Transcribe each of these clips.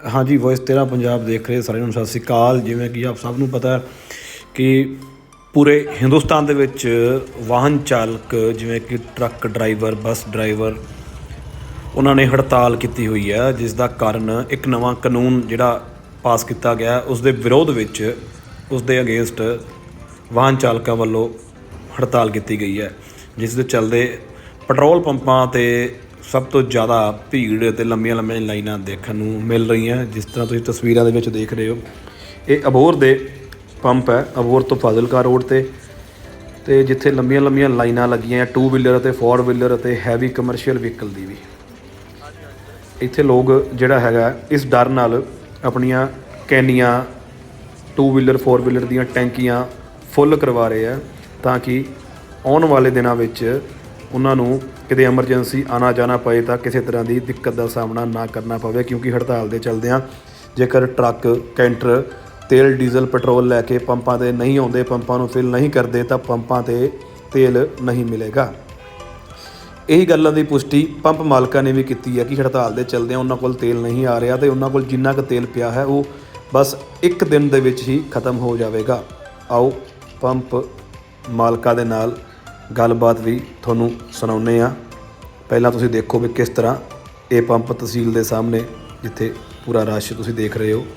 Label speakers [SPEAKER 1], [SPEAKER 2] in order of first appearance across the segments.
[SPEAKER 1] हाँ जी, वॉइस 13 पंजाब देख ਰਹੇ ਸਾਰਿਆਂ ਨੂੰ ਸਤਿ ਸ਼੍ਰੀ ਅਕਾਲ। ਜਿਵੇਂ ਕਿ ਆਪ ਸਭ ਨੂੰ ਪਤਾ ਕਿ ਪੂਰੇ ਹਿੰਦੁਸਤਾਨ ਦੇ ਵਿੱਚ ਵਾਹਨ ਚਾਲਕ ਜਿਵੇਂ ਕਿ ਟਰੱਕ ਡਰਾਈਵਰ, ਬੱਸ ਡਰਾਈਵਰ, ਉਹਨਾਂ ਨੇ ਹੜਤਾਲ ਕੀਤੀ ਹੋਈ ਹੈ, ਜਿਸ ਦਾ ਕਾਰਨ ਇੱਕ ਨਵਾਂ ਕਾਨੂੰਨ ਜਿਹੜਾ ਪਾਸ ਕੀਤਾ ਗਿਆ ਉਸ ਦੇ ਵਿਰੋਧ ਵਿੱਚ, ਉਸ ਦੇ ਅਗੇਂਸਟ ਵਾਹਨ ਚਾਲਕਾਂ ਵੱਲੋਂ ਹੜਤਾਲ ਕੀਤੀ ਗਈ ਹੈ, ਜਿਸ ਦੇ ਚੱਲਦੇ ਪੈਟਰੋਲ ਪੰਪਾਂ 'ਤੇ ਸਭ ਤੋਂ ਜ਼ਿਆਦਾ ਭੀੜ ਅਤੇ ਲੰਮੀਆਂ ਲਾਈਨਾਂ ਦੇਖਣ ਨੂੰ ਮਿਲ ਰਹੀਆਂ। ਜਿਸ ਤਰ੍ਹਾਂ ਤੁਸੀਂ ਤਸਵੀਰਾਂ ਦੇ ਵਿੱਚ ਦੇਖ ਰਹੇ ਹੋ, ਇਹ ਅਬੋਹਰ ਦੇ ਪੰਪ ਹੈ, ਅਬੋਹਰ ਤੋਂ ਫਾਜ਼ਿਲਕਾ ਰੋਡ 'ਤੇ ਜਿੱਥੇ ਲੰਮੀਆਂ ਲਾਈਨਾਂ ਲੱਗੀਆਂ 2 ਵੀਲਰ ਅਤੇ 4 ਵੀਲਰ ਅਤੇ ਹੈਵੀ ਕਮਰਸ਼ੀਅਲ ਵਹੀਕਲ ਦੀ ਵੀ। ਇੱਥੇ ਲੋਕ ਜਿਹੜਾ ਹੈਗਾ ਇਸ ਡਰ ਨਾਲ ਆਪਣੀਆਂ ਕੈਨੀਆਂ, 2 ਵੀਲਰ 4 ਵੀਲਰ ਦੀਆਂ ਟੈਂਕੀਆਂ ਫੁੱਲ ਕਰਵਾ ਰਹੇ ਆ, ਤਾਂ ਕਿ ਆਉਣ ਵਾਲੇ ਦਿਨਾਂ ਵਿੱਚ ਉਹਨਾਂ ਨੂੰ ਕਿਤੇ ਐਮਰਜੈਂਸੀ ਆਉਣਾ ਜਾਣਾ ਪਏ ਤਾਂ ਕਿਸੇ ਤਰ੍ਹਾਂ ਦੀ ਦਿੱਕਤ ਦਾ ਸਾਹਮਣਾ ਨਾ ਕਰਨਾ ਪਵੇ। ਕਿਉਂਕਿ ਹੜਤਾਲ ਦੇ ਚੱਲਦਿਆਂ ਜੇਕਰ ਟਰੱਕ, ਕੈਂਟਰ ਤੇਲ, ਡੀਜ਼ਲ, ਪੈਟਰੋਲ ਲੈ ਕੇ ਪੰਪਾਂ 'ਤੇ ਨਹੀਂ ਆਉਂਦੇ, ਪੰਪਾਂ ਨੂੰ ਫਿਲ ਨਹੀਂ ਕਰਦੇ, ਤਾਂ ਪੰਪਾਂ 'ਤੇ ਤੇਲ ਨਹੀਂ ਮਿਲੇਗਾ। ਇਹੀ ਗੱਲਾਂ ਦੀ ਪੁਸ਼ਟੀ ਪੰਪ ਮਾਲਕਾਂ ਨੇ ਵੀ ਕੀਤੀ ਹੈ ਕਿ ਹੜਤਾਲ ਦੇ ਚੱਲਦਿਆਂ ਉਹਨਾਂ ਕੋਲ ਤੇਲ ਨਹੀਂ ਆ ਰਿਹਾ ਅਤੇ ਉਹਨਾਂ ਕੋਲ ਜਿੰਨਾ ਕੁ ਤੇਲ ਪਿਆ ਹੈ ਉਹ ਬਸ ਇੱਕ ਦਿਨ ਦੇ ਵਿੱਚ ਹੀ ਖਤਮ ਹੋ ਜਾਵੇਗਾ। ਆਓ ਪੰਪ ਮਾਲਕਾਂ ਦੇ ਨਾਲ ਗੱਲਬਾਤ ਵੀ ਤੁਹਾਨੂੰ ਸੁਣਾਉਂਦੇ ਹਾਂ। ਪਹਿਲਾਂ ਤੁਸੀਂ ਦੇਖੋ ਵੀ ਕਿਸ ਤਰ੍ਹਾਂ ਇਹ ਪੰਪ ਤਹਿਸੀਲ ਦੇ ਸਾਹਮਣੇ, ਜਿੱਥੇ ਪੂਰਾ ਰਸ਼ ਤੁਸੀਂ ਦੇਖ ਰਹੇ ਹੋ।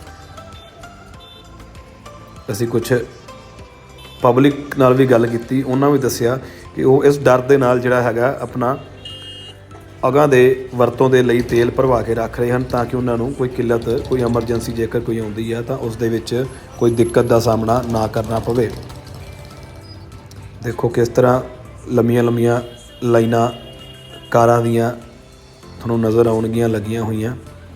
[SPEAKER 1] ਅਸੀਂ ਕੁਛ ਪਬਲਿਕ ਨਾਲ ਵੀ ਗੱਲ ਕੀਤੀ, ਉਹਨਾਂ ਵੀ ਦੱਸਿਆ ਕਿ ਉਹ ਇਸ ਡਰ ਦੇ ਨਾਲ ਜਿਹੜਾ ਹੈਗਾ ਆਪਣਾ ਅਗਾਂਹ ਦੇ ਵਰਤੋਂ ਦੇ ਲਈ ਤੇਲ ਭਰਵਾ ਕੇ ਰੱਖ ਰਹੇ ਹਨ, ਤਾਂ ਕਿ ਉਹਨਾਂ ਨੂੰ ਕੋਈ ਕਿੱਲਤ, ਕੋਈ ਐਮਰਜੈਂਸੀ ਜੇਕਰ ਕੋਈ ਆਉਂਦੀ ਹੈ ਤਾਂ ਉਸ ਦੇ ਵਿੱਚ ਕੋਈ ਦਿੱਕਤ ਦਾ ਸਾਹਮਣਾ ਨਾ ਕਰਨਾ ਪਵੇ। ਦੇਖੋ ਕਿਸ ਤਰ੍ਹਾਂ ਲੰਮੀਆਂ ਲਾਈਨਾਂ ਕਾਰਾਂ ਦੀਆਂ ਤੁਹਾਨੂੰ ਨਜ਼ਰ ਆਉਣਗੀਆਂ ਲੱਗੀਆਂ ਹੋਈਆਂ।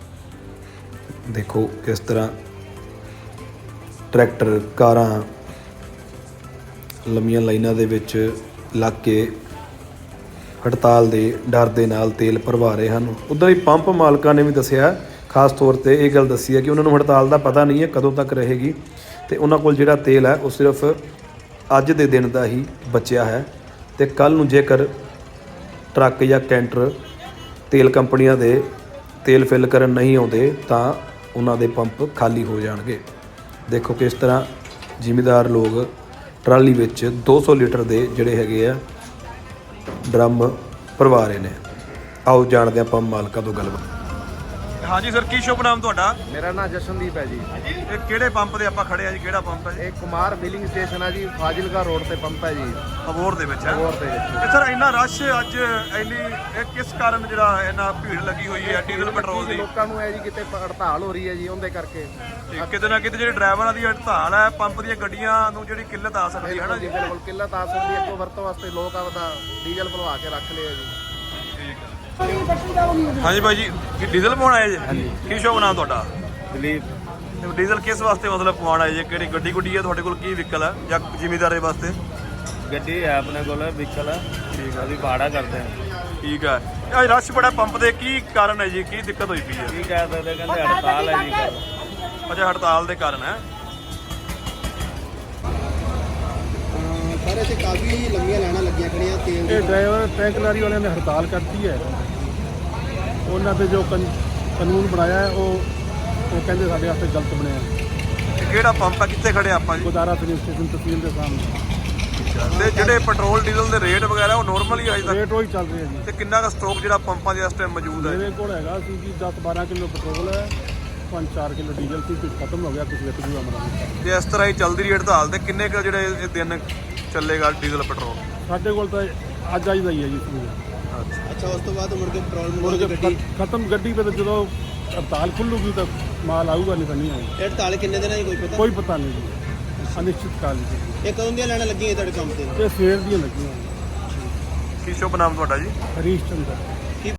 [SPEAKER 1] ਦੇਖੋ ਕਿਸ ਤਰ੍ਹਾਂ ਟਰੈਕਟਰ, ਕਾਰਾਂ ਲੰਮੀਆਂ ਲਾਈਨਾਂ ਦੇ ਵਿੱਚ ਲੱਗ ਕੇ ਹੜਤਾਲ ਦੇ ਡਰ ਦੇ ਨਾਲ ਤੇਲ ਭਰਵਾ ਰਹੇ ਹਨ। ਉੱਦਾਂ ਹੀ ਪੰਪ ਮਾਲਕਾਂ ਨੇ ਵੀ ਦੱਸਿਆ, ਖਾਸ ਤੌਰ 'ਤੇ ਇਹ ਗੱਲ ਦੱਸੀ ਹੈ ਕਿ ਉਹਨਾਂ ਨੂੰ ਹੜਤਾਲ ਦਾ ਪਤਾ ਨਹੀਂ ਹੈ ਕਦੋਂ ਤੱਕ ਰਹੇਗੀ, ਅਤੇ ਉਹਨਾਂ ਕੋਲ ਜਿਹੜਾ ਤੇਲ ਹੈ ਉਹ ਸਿਰਫ ਅੱਜ ਦੇ ਦਿਨ ਦਾ ਹੀ ਬਚਿਆ ਹੈ, ਅਤੇ ਕੱਲ੍ਹ ਨੂੰ ਜੇਕਰ ਟਰੱਕ ਜਾਂ ਕੈਂਟਰ ਤੇਲ ਕੰਪਨੀਆਂ ਦੇ ਤੇਲ ਫਿਲ ਕਰਨ ਨਹੀਂ ਆਉਂਦੇ ਤਾਂ ਉਹਨਾਂ ਦੇ ਪੰਪ ਖਾਲੀ ਹੋ ਜਾਣਗੇ। ਦੇਖੋ ਕਿਸ ਤਰ੍ਹਾਂ ਜ਼ਿਮੀਂਦਾਰ ਲੋਕ ਟਰਾਲੀ ਵਿੱਚ 200 ਲੀਟਰ ਦੇ ਜਿਹੜੇ ਹੈਗੇ ਆ ਡਰਮ ਭਰਵਾ ਰਹੇ ਨੇ। ਆਓ ਜਾਣਦੇ ਹਾਂ ਪੰਪ ਮਾਲਕਾਂ ਤੋਂ ਗੱਲਬਾਤ। ਹਾਂਜੀ ਸਰ, ਕੀ ਸ਼ੁਭ ਨਾਮ ਤੁਹਾਡਾ?
[SPEAKER 2] ਮੇਰਾ ਨਾਮ ਜਸ਼ਨਦੀਪ ਹੈ ਜੀ।
[SPEAKER 1] ਇਹ ਕਿਹੜੇ ਪੰਪ ਦੇ ਆਪਾਂ ਖੜੇ ਆ ਜੀ? ਕਿਹੜਾ ਪੰਪ ਹੈ ਜੀ?
[SPEAKER 2] ਇਹ ਕੁਮਾਰ ਫਿਲਿੰਗ ਸਟੇਸ਼ਨ ਹੈ ਜੀ, ਫਾਜ਼ਿਲਕਾ ਰੋਡ ਤੇ ਪੰਪ ਹੈ ਜੀ,
[SPEAKER 1] ਅਬੋਹਰ ਦੇ ਵਿੱਚ ਹੈ।
[SPEAKER 2] ਅਬੋਹਰ ਦੇ ਵਿੱਚ।
[SPEAKER 1] ਤੇ ਸਰ ਇੰਨਾ ਰਸ਼ ਅੱਜ ਇਹ ਕਿਸ ਕਾਰਨ ਜਿਹੜਾ ਇੰਨਾ ਭੀੜ ਲੱਗੀ ਹੋਈ ਹੈ ਡੀਜ਼ਲ ਪੈਟਰੋਲ ਦੀ?
[SPEAKER 2] ਲੋਕਾਂ ਨੂੰ ਹੈ ਜੀ ਕਿਤੇ ਹੜਤਾਲ ਹੋ ਰਹੀ ਹੈ ਜੀ, ਉਹਦੇ ਕਰਕੇ
[SPEAKER 1] ਕਿਤੇ ਨਾ ਕਿਤੇ ਜਿਹੜੇ ਡਰਾਈਵਰਾਂ ਦੀ ਹੜਤਾਲ ਹੈ, ਪੰਪ ਦੀਆਂ ਗੱਡੀਆਂ ਨੂੰ ਜਿਹੜੀ ਕਿੱਲਤ ਆ ਸਕਦੀ ਹੈ ਨਾ ਜੀ।
[SPEAKER 2] ਬਿਲਕੁਲ ਕਿੱਲਤ ਆ ਸਕਦੀ ਹੈ, ਅੱਗੋਂ ਵਰਤੋਂ ਵਾਸਤੇ ਲੋਕ ਆਪਦਾ ਡੀਜ਼ਲ ਭਰਵਾ ਕੇ ਰੱਖ ਲਿਆ ਜੀ।
[SPEAKER 1] ਹਾਂਜੀ ਭਾਈ ਜੀ, ਕੀ ਡੀਜ਼ਲ ਪਵਾਉਣ ਆਏ ਜੀ? ਕੀ ਸ਼ੁਭ ਨਾਮ ਤੁਹਾਡਾ?
[SPEAKER 2] ਦਲੀਪ।
[SPEAKER 1] ਡੀਜ਼ਲ ਕਿਸ ਵਾਸਤੇ ਮਤਲਬ ਪਵਾਉਣ ਆਏ ਜੀ? ਕਿਹੜੀ ਗੱਡੀ ਹੈ ਤੁਹਾਡੇ ਕੋਲ? ਕੀ ਵਹੀਕਲ ਹੈ ਜਾਂ ਜ਼ਿਮੀਂਦਾਰੇ ਵਾਸਤੇ?
[SPEAKER 2] ਗੱਡੀ ਹੈ ਆਪਣੇ ਕੋਲ, ਵਹੀਕਲ ਹੈ। ਠੀਕ ਹੈ, ਅਸੀਂ ਭਾੜਾ ਕਰਦੇ ਹਾਂ।
[SPEAKER 1] ਠੀਕ ਹੈ। ਅੱਜ ਰਸ਼ ਬੜਾ ਪੰਪ ਦੇ, ਕੀ ਕਾਰਨ ਹੈ ਜੀ? ਕੀ ਦਿੱਕਤ ਹੋਈ ਪਈ ਹੈ?
[SPEAKER 2] ਕੀ ਕਹਿ ਸਕਦੇ, ਕਹਿੰਦੇ ਹੜਤਾਲ ਹੈ ਜੀ।
[SPEAKER 1] ਅੱਛਾ, ਹੜਤਾਲ ਦੇ ਕਾਰਨ ਹੈ।
[SPEAKER 3] ਸਾਰੇ ਇੱਥੇ ਕਾਫੀ ਲੰਮੀਆਂ ਲਾਈਨਾਂ ਲੱਗੀਆਂ ਖੜੀਆਂ ਤੇਲ
[SPEAKER 4] ਇਹ ਡਰਾਈਵਰ ਟਰੱਕ ਲਾਰੀ ਵਾਲਿਆਂ ਨੇ ਹੜਤਾਲ ਕਰਤੀ ਹੈ। ਉਹਨਾਂ ਤੇ ਜੋ ਕਾਨੂੰਨ ਬਣਾਇਆ ਹੈ ਉਹ ਕਹਿੰਦੇ ਸਾਡੇ ਵਾਸਤੇ ਗਲਤ ਬਣਿਆ।
[SPEAKER 1] ਇਹ ਕਿਹੜਾ ਪੰਪ ਹੈ? ਕਿੱਥੇ ਖੜੇ ਆਪਾਂ ਜੀ?
[SPEAKER 4] ਗੁਦਾਰਾ ਫਿਲਿੰਗ ਸਟੇਸ਼ਨ ਤਹਿਸੀਲ ਦੇ ਸਾਹਮਣੇ।
[SPEAKER 1] ਤੇ ਜਿਹੜੇ ਪੈਟਰੋਲ ਡੀਜ਼ਲ ਦੇ ਰੇਟ ਵਗੈਰਾ ਉਹ ਨੋਰਮਲ ਹੀ ਅਜੇ ਤੱਕ?
[SPEAKER 4] ਰੇਟ ਉਹੀ ਚੱਲ ਰਿਹਾ ਜੀ।
[SPEAKER 1] ਤੇ ਕਿੰਨਾ ਦਾ ਸਟਾਕ ਜਿਹੜਾ ਪੰਪਾਂ ਦੇ ਇਸ ਟਾਈਮ ਮੌਜੂਦ ਹੈ?
[SPEAKER 4] ਮੇਰੇ ਕੋਲ ਹੈਗਾ ਸੀ ਜੀ 10-12 ਕਿਲੋ ਪੈਟਰੋਲ ਹੈ, 5-4 ਕਿਲੋ ਡੀਜ਼ਲ ਸੀ, ਕੁਝ ਖਤਮ ਹੋ ਗਿਆ, ਕੁਝ ਵਿੱਚ ਵੀ ਅਮਰਾ।
[SPEAKER 1] ਤੇ ਇਸ ਤਰ੍ਹਾਂ ਹੀ ਚੱਲਦੀ ਰਹੀ ਹੜਤਾਲ ਤੇ ਕਿੰਨੇ ਕੁ ਜਿਹੜੇ ਇਹ ਦਿਨ ਚੱਲੇਗਾ ਡੀਜ਼ਲ ਪੈਟਰੋਲ?
[SPEAKER 4] ਸਾਡੇ ਕੋਲ ਤਾਂ ਅੱਜ ਆਈ ਦਾ ਹੀ ਹੈ ਜੀ ਸੂਰ।
[SPEAKER 3] ਅੱਛਾ, ਉਸ ਤੋਂ ਬਾਅਦ ਮੁੜ ਕੇ ਪੈਟਰੋਲ
[SPEAKER 4] ਮੁੜ
[SPEAKER 3] ਮਿਲੂਗਾ
[SPEAKER 4] ਕੇ
[SPEAKER 3] ਗੱਡੀ?
[SPEAKER 4] ਖਤਮ ਗੱਡੀ ਪੇ ਜਦੋਂ ਹੜਤਾਲ ਖੁੱਲੂਗੀ ਤਾਂ ਮਾਲ ਆਊਗਾ, ਨਹੀਂ ਤਾਂ ਨਹੀਂ ਆਊਗਾ।
[SPEAKER 3] ਇਹ ਹੜਤਾਲ ਕਿੰਨੇ ਦਿਨਾਂ ਦੀ ਕੋਈ ਪਤਾ?
[SPEAKER 4] ਕੋਈ ਪਤਾ ਨਹੀਂ ਜੀ, ਅਨਿਸ਼ਚਿਤ ਕਾਲ ਜੀ।
[SPEAKER 3] ਇਹ ਕਦੋਂ ਦੀਆਂ ਲਾਈਨਾਂ ਲੱਗੀਆਂ ਤੁਹਾਡੇ ਕੰਮ ਤੇ?
[SPEAKER 4] ਇਹ ਸਵੇਰ ਦੀਆਂ ਲੱਗੀਆਂ।
[SPEAKER 1] ਕੀ ਸ਼ੁਭ ਨਾਮ ਤੁਹਾਡਾ ਜੀ?
[SPEAKER 4] ਹਰੀਸ਼ ਚੰਦਰ।